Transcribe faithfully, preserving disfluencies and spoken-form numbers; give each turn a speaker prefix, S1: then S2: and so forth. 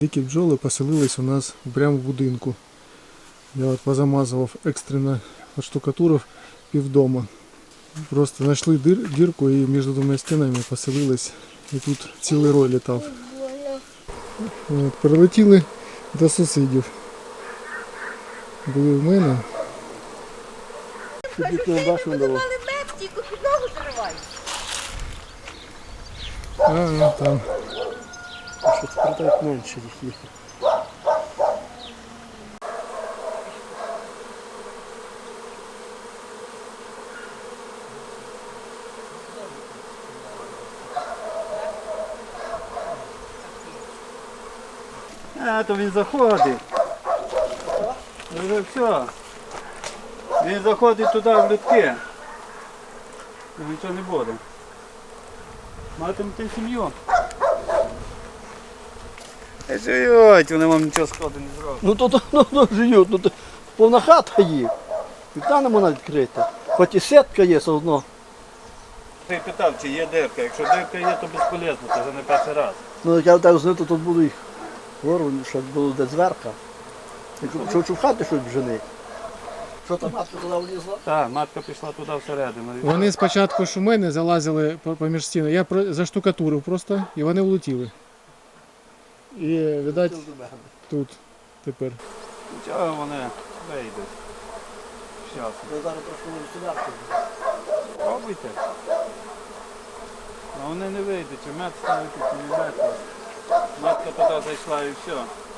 S1: Дикі бджоли поселились у нас прямо в будинку. Я от позамазував екстрено, отштукатурив півдома. Просто знайшли дир, дірку і між двома стінами поселились. І тут цілий рой літав. От, прилетіли до сусідів. Були в мене.
S2: Кажу, що ви будували мед, тільки підлогу зривають.
S1: А, там.
S3: Що тепер так менше їх є.
S4: А, то він заходить. Вже все. Він заходить туди в людки. Нічого не буде. Матимете сім'ю. Живуть, вони вам нічого складу не зроблять.
S3: Ну то, то, ну, то живуть, ну то повна хата їх. Вікна не можна відкрити. Хоч і сітка є все одно.
S4: Ти питав, чи є дирка. Якщо дирка є, то безполезно, це вже не перший раз.
S3: Ну як я так знаю, то тут буду їх вору, щоб було де зверха. Що, що в хаті щось жени. Що там матка туди влізла?
S4: Так, матка пішла туди всередину.
S1: Вони спочатку ж у мене залазили поміж стіни. Я про- заштукатурив просто і вони влетіли. І, видать, тут тепер.
S4: Нічого вони вийдуть. Щас.
S3: Я зараз трошки сюди.
S4: Пробуйте. А вони не вийдуть, чи мед ставити, чи не мед. Матка туди зайшла і все.